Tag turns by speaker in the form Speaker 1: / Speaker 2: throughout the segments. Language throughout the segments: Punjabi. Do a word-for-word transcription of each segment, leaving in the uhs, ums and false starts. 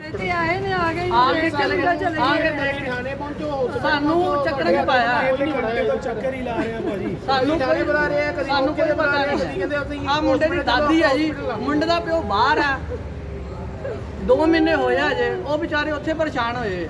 Speaker 1: ਇੱਥੇ ਆਏ ਨੇ ਆ ਗਏ
Speaker 2: ਆ ਕੇ
Speaker 1: ਚਲੇ ਗਏ ਚਲੇ ਗਏ
Speaker 3: ਥਾਣੇ ਪਹੁੰਚੋ
Speaker 2: ਸਾਨੂੰ ਚੱਕਰ ਨਹੀਂ ਪਾਇਆ
Speaker 3: ਚੱਕਰ ਹੀ ਲਾ ਰਹੇ ਭਾਜੀ
Speaker 2: ਸਾਨੂੰ ਕੋਈ ਬੁਲਾ ਰਿਹਾ ਕਦੀ ਸਾਨੂੰ ਕੋਈ ਪਤਾ ਨਹੀਂ ਆ ਮੁੰਡੇ ਦੀ ਦਾਦੀ ਹੈ ਜੀ ਮੁੰਡੇ ਦਾ ਪਿਓ ਬਾਹਰ ਆ ਦੋ ਮਹੀਨੇ ਹੋਇਆ ਜੇ ਉਹ ਵਿਚਾਰੇ ਉੱਥੇ ਪਰੇਸ਼ਾਨ ਹੋਏ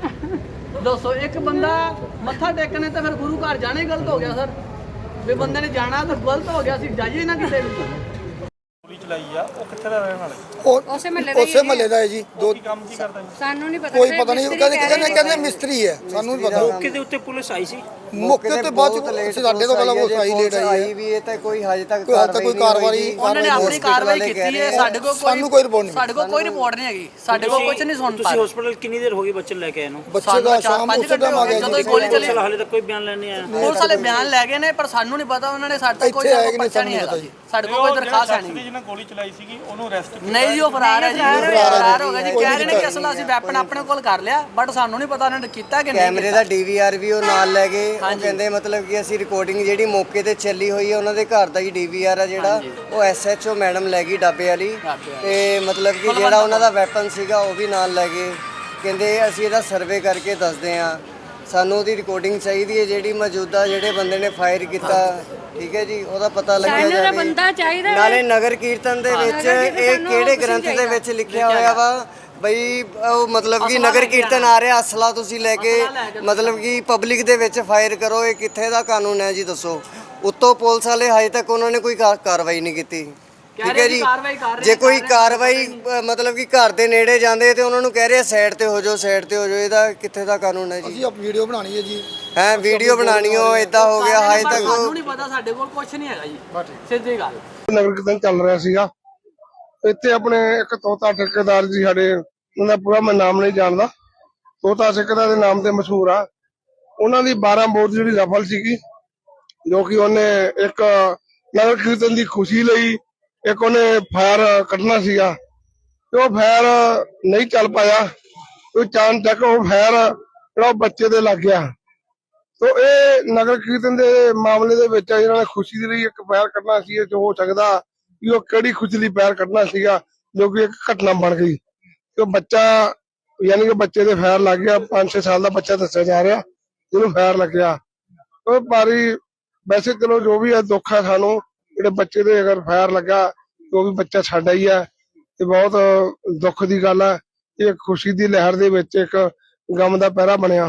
Speaker 2: ਦੱਸੋ ਇੱਕ ਬੰਦਾ ਮੱਥਾ ਟੇਕਣੇ ਤੇ ਫਿਰ ਗੁਰੂ ਘਰ ਜਾਣਾ ਹੀ ਗਲਤ ਹੋ ਗਿਆ ਸਰ ਵੀ ਬੰਦੇ ਨੇ ਜਾਣਾ ਤਾਂ ਗਲਤ ਹੋ ਗਿਆ ਸੀ ਜਾਈਏ ਨਾ ਕਿਤੇ ਵੀ
Speaker 4: ਗੋਲੀ ਚਲਾਈ ਆ ਉਹ ਕਿੱਥੇ ਦਾ ਰਹਿਣ ਵਾਲਾ
Speaker 5: ਉਹ
Speaker 1: ਉਸੇ ਮਹੱਲੇ ਦਾ
Speaker 5: ਉਸੇ ਮਹੱਲੇ ਦਾ ਹੈ ਜੀ ਦੋ
Speaker 4: ਕੀ ਕੰਮ ਕੀ ਕਰਦਾ ਜੀ
Speaker 1: ਸਾਨੂੰ ਨਹੀਂ ਪਤਾ
Speaker 5: ਕੋਈ ਪਤਾ ਨਹੀਂ ਕਹਿੰਦੇ ਕਹਿੰਦੇ ਕਹਿੰਦੇ ਮਿਸਤਰੀ ਹੈ ਸਾਨੂੰ ਨਹੀਂ ਪਤਾ
Speaker 4: ਮੌਕੇ ਦੇ ਉੱਤੇ ਪੁਲਿਸ ਆਈ ਸੀ
Speaker 5: ਮੌਕੇ ਤੇ ਬਾਅਦ ਚ ਸਾਡੇ ਤੋਂ ਪਹਿਲਾਂ ਉਹ ਆਈ ਲੇਟ ਆਈ ਹੈ
Speaker 6: ਵੀ ਇਹ ਤਾਂ ਕੋਈ ਹਜੇ ਤੱਕ
Speaker 5: ਕੋਈ ਹਾਲ ਤੱਕ ਕੋਈ ਕਾਰਵਾਈ
Speaker 2: ਉਹਨਾਂ ਨੇ ਆਪਣੀ ਕਾਰਵਾਈ ਕੀਤੀ ਹੈ ਸਾਡੇ ਕੋਲ
Speaker 5: ਸਾਨੂੰ ਕੋਈ ਰਿਪੋਰਟ ਨਹੀਂ
Speaker 2: ਸਾਡੇ ਕੋਲ ਕੋਈ ਰਿਪੋਰਟ ਨਹੀਂ ਹੈਗੀ ਸਾਡੇ ਕੋਲ ਕੁਝ ਨਹੀਂ ਸੁਣ ਪਾ
Speaker 4: ਤੁਸੀਂ ਹਸਪੀਟਲ ਕਿੰਨੀ ਦੇਰ ਹੋ ਗਈ ਬੱਚੇ ਲੈ ਕੇ ਆਏ ਨੂੰ
Speaker 5: ਬੱਚੇ ਦਾ ਸ਼ਾਮ ਉਸੇ ਟਾਈਮ ਆ ਗਿਆ
Speaker 2: ਜਦੋਂ ਗੋਲੀ ਚੱਲੀ
Speaker 4: ਹਾਲੇ ਤੱਕ ਕੋਈ ਬਿਆਨ ਲੈਣ ਨਹੀਂ ਆਇਆ
Speaker 2: ਪੁਲਿਸ ਵਾਲੇ ਬਿਆਨ ਲੈ ਗਏ ਨੇ ਪਰ ਸਾਨੂੰ ਨਹੀਂ ਪਤਾ ਉਹਨਾਂ ਨੇ ਸਾਡੇ ਤੋਂ ਕੋਈ ਪਰਚਾ ਨਹੀਂ ਹੈਗਾ ਜੀ ਸਾਡੇ ਕੋਲ ਕੋਈ ਦਰਖਾਸਤ ਹੈ ਨਹੀਂ
Speaker 4: ਜਿਹਨੇ ਗੋਲੀ ਚਲਾਈ ਸੀਗੀ ਉਹਨੂੰ ਅਰੈਸਟ
Speaker 2: ਨਹੀਂ ਜੀ ਉਹ ਫਰਾਰ ਹੈ ਜੀ ਫਰਾਰ ਹੋ ਗਿਆ ਜੀ ਕਹਿ ਰਹੇ ਨੇ ਕਿ ਅਸਲ ਅਸੀਂ ਵੈਪਨ ਆਪਣੇ ਕੋਲ ਕਰ ਲਿਆ ਬਟ ਸਾਨੂੰ ਨਹੀਂ ਪਤਾ ਉਹਨਾਂ ਨੇ ਕੀਤਾ ਕਿ ਨਹੀਂ
Speaker 6: ਕੈਮਰੇ ਦਾ ਡੀਵੀਆਰ ਵੀ ਉਹ ਨਾਲ ਲੈ ਗਏ ਉਹ ਕਹਿੰਦੇ ਮਤਲਬ ਕਿ ਅਸੀਂ ਰਿਕਾਰਡਿੰਗ ਜਿਹੜੀ ਮੌਕੇ ਤੇ ਚੱਲੀ ਹੋਈ ਹੈ ਉਹਨਾਂ ਦੇ ਘਰ ਦਾ ਹੀ ਡੀਵੀਆਰ ਆ ਜਿਹੜਾ ਉਹ ਐਸਐਚਓ ਮੈਡਮ ਲੈ ਗਈ ਡਾਬੇ ਵਾਲੀ ਤੇ ਮਤਲਬ ਕਿ ਜਿਹੜਾ ਉਹਨਾਂ ਦਾ ਵੈਪਨ ਸੀਗਾ ਉਹ ਵੀ ਨਾਲ ਲੈ ਗਏ ਕਹਿੰਦੇ ਅਸੀਂ ਇਹਦਾ ਸਰਵੇ ਕਰਕੇ ਦੱਸਦੇ ਆ ਸਾਨੂੰ ਉਹਦੀ ਰਿਕਾਰਡਿੰਗ ਚਾਹੀਦੀ ਹੈ ਜਿਹੜੀ ਮੌਜੂਦਾ ਜਿਹੜੇ ਬੰਦੇ ਨੇ ਫਾਇਰ ਕੀਤਾ ਠੀਕ ਹੈ ਜੀ ਉਹਦਾ ਪਤਾ ਲੱਗਿਆ ਜਾਵੇ
Speaker 1: ਬੰਦਾ ਚਾਹੀਦਾ
Speaker 6: ਨਾਲੇ ਨਗਰ ਕੀਰਤਨ ਦੇ ਵਿੱਚ ਇਹ ਕਿਹੜੇ ਗ੍ਰੰਥ ਦੇ ਵਿੱਚ ਲਿਖਿਆ ਹੋਇਆ ਵਾ ਬਈ ਉਹ ਮਤਲਬ ਕਿ ਨਗਰ ਕੀਰਤਨ ਆ ਰਿਹਾ ਅਸਲਾ ਤੁਸੀਂ ਲੈ ਕੇ ਮਤਲਬ ਕਿ ਪਬਲਿਕ ਦੇ ਵਿੱਚ ਫਾਇਰ ਕਰੋ ਇਹ ਕਿੱਥੇ ਦਾ ਕਾਨੂੰਨ ਹੈ ਜੀ ਦੱਸੋ ਉੱਤੋਂ ਪੁਲਿਸ ਵਾਲੇ ਹਜੇ ਤੱਕ ਉਹਨਾਂ ਨੇ ਕੋਈ ਕਾਰਵਾਈ ਨਹੀਂ ਕੀਤੀ ਠੀਕ ਹੈ ਜੀ ਜੇ ਕੋਈ ਕਾਰਵਾਈ ਮਤਲਬ ਕਿ ਘਰ ਦੇ ਨੇੜੇ ਜਾਂਦੇ ਤੇ ਉਹਨਾਂ ਨੂੰ ਕਹਿ ਰਹੇ ਸਾਈਡ ਤੇ ਹੋ ਜਾਓ ਸਾਈਡ ਤੇ ਹੋ ਜਾਓ ਇਹਦਾ ਕਿੱਥੇ ਦਾ ਕਾਨੂੰਨ ਹੈ ਜੀ
Speaker 5: ਅਸੀਂ ਆਪ ਵੀਡੀਓ ਬਣਾਣੀ ਹੈ ਜੀ
Speaker 6: ਹੈ ਵੀਡੀਓ ਬਣਾਣੀ ਹੋ ਇਦਾਂ ਹੋ ਗਿਆ ਹਜੇ ਤੱਕ
Speaker 2: ਸਾਨੂੰ ਨਹੀਂ ਪਤਾ ਸਾਡੇ ਕੋਲ ਕੁਝ ਨਹੀਂ ਹੈਗਾ ਜੀ ਸਿੱਧੀ ਗੱਲ
Speaker 3: ਨਗਰ ਕੀਰਤਨ ਚੱਲ ਰਿਹਾ ਸੀਗਾ ਇੱਥੇ ਆਪਣੇ ਇੱਕ ਤੋਤਾ ਠੇਕੇਦਾਰ ਜੀ ਸਾਡੇ ਉਹਦਾ ਪੂਰਾ ਮੈਂ ਨਾਮ ਨਹੀਂ ਜਾਣਦਾ ਤੋਤਾ ਠੇਕੇਦਾਰ ਦੇ ਨਾਮ ਤੇ ਮਸ਼ਹੂਰ ਆ ਉਹਨਾਂ ਦੀ ਬਾਰਾਂ ਬੋਰ ਜਿਹੜੀ ਰਫਲ ਸੀਗੀ ਜੋ ਕਿ ਉਹਨੇ ਇੱਕ ਨਗਰ ਕੀਰਤਨ ਦੀ ਖੁਸ਼ੀ ਲਈ ਇੱਕ ਉਹਨੇ ਫਾਇਰ ਕੱਢਣਾ ਸੀਗਾ ਤੇ ਉਹ ਫਾਇਰ ਨਹੀਂ ਚੱਲ ਪਾਇਆ ਉਹ ਚਾਂਦ ਤੱਕ ਉਹ ਫਾਇਰ ਜਿਹੜਾ ਬੱਚੇ ਦੇ ਲੱਗ ਗਿਆ ਤੋ ਇਹ ਨਗਰ ਕੀਰਤਨ ਦੇ ਮਾਮਲੇ ਦੇ ਵਿੱਚ ਇਹਨਾਂ ਨੇ ਖੁਸ਼ੀ ਦੇ ਲਈ ਇੱਕ ਫਾਇਰ ਕੱਢਣਾ ਸੀ ਜੋ ਹੋ ਸਕਦਾ ਕਿ ਉਹ ਕਿਹੜੀ ਖੁਸ਼ੀ ਲਈ ਫਾਇਰ ਕੱਢਣਾ ਸੀਗਾ ਜੋ ਕਿ ਇੱਕ ਘਟਨਾ ਬਣ ਗਈ ਤੇ ਬੱਚਾ ਯਾਨੀ ਕਿ ਬੱਚੇ ਦੇ ਫਾਇਰ ਲੱਗ ਗਿਆ ਪੰਜ ਛੇ ਸਾਲ ਦਾ ਬੱਚਾ ਦੱਸਿਆ ਜਾ ਰਿਹਾ ਜਿਹਨੂੰ ਫਾਇਰ ਲੱਗਿਆ ਉਹ ਭਾਰੀ ਵੈਸੇ ਚਲੋ ਜੋ ਵੀ ਹੈ ਦੁੱਖ ਹੈ ਸਾਨੂੰ ਜਿਹੜੇ ਬੱਚੇ ਦੇ ਅਗਰ ਫਾਇਰ ਲੱਗਾ ਉਹ ਵੀ ਬੱਚਾ ਸਾਡਾ ਹੀ ਹੈ ਤੇ ਬਹੁਤ ਦੁੱਖ ਦੀ ਗੱਲ ਹੈ ਇਹ ਖੁਸ਼ੀ ਦੀ ਲਹਿਰ ਦੇ ਵਿੱਚ ਇੱਕ ਗਮ ਦਾ ਪਹਿਰਾ ਬਣਿਆ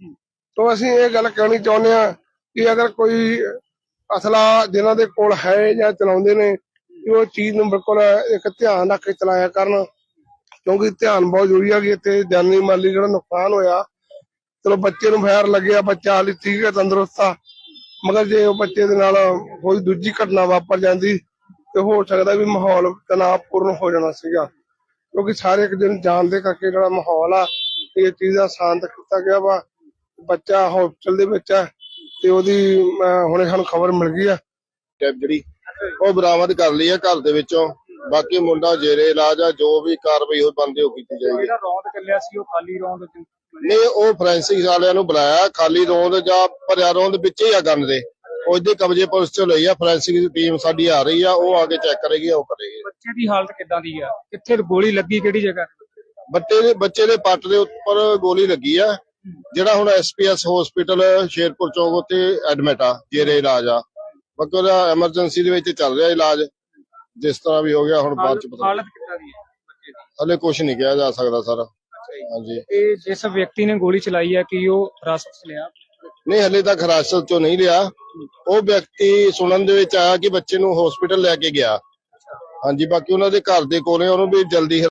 Speaker 3: ਤੋਂ ਅਸੀਂ ਇਹ ਗੱਲ ਕਹਿਣੀ ਚਾਹੁੰਦੇ ਹਾਂ ਕਿ ਅਗਰ ਕੋਈ ਅਸਲਾ ਜਿਨ੍ਹਾਂ ਦੇ ਕੋਲ ਹੈ ਜਾਂ ਚਲਾਉਂਦੇ ਨੇ ਉਹ ਚੀਜ਼ ਨੂੰ ਬਿਲਕੁਲ ਇੱਕ ਧਿਆਨ ਰੱਖ ਕੇ ਚਲਾਇਆ ਕਰਨ ਕਿਉਂਕਿ ਧਿਆਨ ਬਹੁਤ ਜ਼ਰੂਰੀ ਹੈ ਕਿ ਇੱਥੇ ਜਾਨੀ ਮਾਲੀ ਜਿਹੜਾ ਨੁਕਸਾਨ ਹੋਇਆ ਚਲੋ ਬੱਚੇ ਨੂੰ ਫਾਇਰ ਲੱਗਿਆ ਬੱਚਾ ਹਾਲੀ ਠੀਕ ਹੈ ਤੰਦਰੁਸਤ ਆ ਮਗਰ ਜੇ ਉਹ ਬੱਚੇ ਦੇ ਨਾਲ ਕੋਈ ਦੂਜੀ ਘਟਨਾ ਵਾਪਰ ਜਾਂਦੀ ਤੇ ਹੋ ਸਕਦਾ ਵੀ ਮਾਹੌਲ ਤਣਾਅਪੂਰਨ ਹੋ ਜਾਣਾ ਸੀਗਾ ਕਿਉਂਕਿ ਸਾਰੇ ਇੱਕ ਦਿਨ ਜਾਣ ਦੇ ਕਰਕੇ ਜਿਹੜਾ ਮਾਹੌਲ ਆ ਇਹ ਚੀਜ਼ ਦਾ ਸ਼ਾਂਤ ਕੀਤਾ ਗਿਆ ਵਾ ਬੱਚਾ ਹਸਪਤਾਲ ਦੇ ਵਿੱਚ ਹੈ ਤੇ ਉਹਦੀ ਹੁਣੇ ਸਾਨੂੰ ਖਬਰ ਮਿਲ ਗਈ ਆ
Speaker 7: ਜਿਹੜੀ ਉਹ ਬਰਾਮਦ ਕਰ ਲਈ ਹੈ ਘਰ ਦੇ ਵਿੱਚੋਂ ਬਾਕੀ ਮੁੰਡਾ ਜੇਰੇ ਇਲਾਜ ਆ ਜੋ ਵੀ ਕਾਰਵਾਈ ਉਹ ਬੰਦੇ ਉਹ ਕੀਤੀ ਜਾਏਗੀ
Speaker 4: ਜਿਹੜਾ ਰੌਂਦ ਚੱਲਿਆ ਸੀ ਉਹ ਖਾਲੀ ਰੌਂਦ
Speaker 7: ਨਹੀਂ ਉਹ ਫੋਰੈਂਸਿਕ ਵਾਲਿਆਂ ਨੂੰ ਬੁਲਾਇਆ ਖਾਲੀ ਰੌਂਦ ਜਾਂ ਭਰਿਆ ਰੌਂਦ ਵਿੱਚ ਹੀ ਆ ਗਨ ਦੇ ਉਹ ਇਹਦੇ ਕਬਜ਼ੇ ਪੁਲਿਸ ਚੋਂ ਲਈ ਆ ਫੋਰੈਂਸਿਕ ਦੀ ਟੀਮ ਸਾਡੀ ਆ ਰਹੀ ਆ ਉਹ ਆ ਕੇ ਚੈੱਕ ਕਰੇਗੀ ਉਹ ਕਰੇਗੀ
Speaker 4: ਬੱਚੇ ਦੀ ਹਾਲਤ ਕਿੱਦਾਂ ਦੀ ਆ ਕਿੱਥੇ ਗੋਲੀ ਲੱਗੀ ਕਿਹੜੀ ਜਗ੍ਹਾ
Speaker 7: ਬੱਚੇ ਦੇ ਬੱਚੇ ਦੇ ਪੱਟ ਦੇ ਉੱਪਰ ਗੋਲੀ ਲੱਗੀ ਆ ਜਿਹੜਾ ਹੁਣ ਐਸਪੀਐਸ ਹਸਪੀਟਲ ਸ਼ੇਰਪੁਰ ਚੌਕ ਉੱਤੇ ਐਡਮਿਟ ਆ ਜੇਰੇ ਇਲਾਜ ਆ ਬਾਕੀ ਉਹਦਾ ਐਮਰਜੈਂਸੀ ਦੇ ਵਿੱਚ ਚੱਲ ਰਿਹਾ ਇਲਾਜ ਜਿਸ ਤਰ੍ਹਾਂ ਵੀ ਹੋ ਗਿਆ ਹੁਣ ਬਾਅਦ ਚ ਪਤਾ
Speaker 4: ਹਾਲਤ ਕਿੱਦਾਂ ਦੀ ਹੈ ਬੱਚੇ ਦੀ
Speaker 7: ਹਲੇ ਕੁਝ ਨਹੀਂ ਕਿਹਾ ਜਾ ਸਕਦਾ ਸਰ ਹਾਂਜੀ
Speaker 4: ਇਹ ਜਿਸ ਵਿਅਕਤੀ ਨੇ ਗੋਲੀ ਚਲਾਈ ਹੈ ਕਿ ਉਹ ਹਿਰਾਸਤ ਚ ਲਿਆ
Speaker 7: ਨਹੀਂ ਹਲੇ ਤੱਕ ਹਿਰਾਸਤ ਚੋਂ ਨਹੀਂ ਲਿਆ ਉਹ ਵਿਅਕਤੀ ਸੁਣਨ ਦੇ ਵਿੱਚ ਆਇਆ ਕਿ ਬੱਚੇ ਨੂੰ ਹਸਪੀਟਲ ਲੈ ਕੇ ਗਿਆ ਹਾਂਜੀ ਬਾਕੀ ਉਹਨਾਂ ਦੇ ਘਰ ਦੇ ਕੋਲੇ ਉਹਨੂੰ ਵੀ ਜਲਦੀ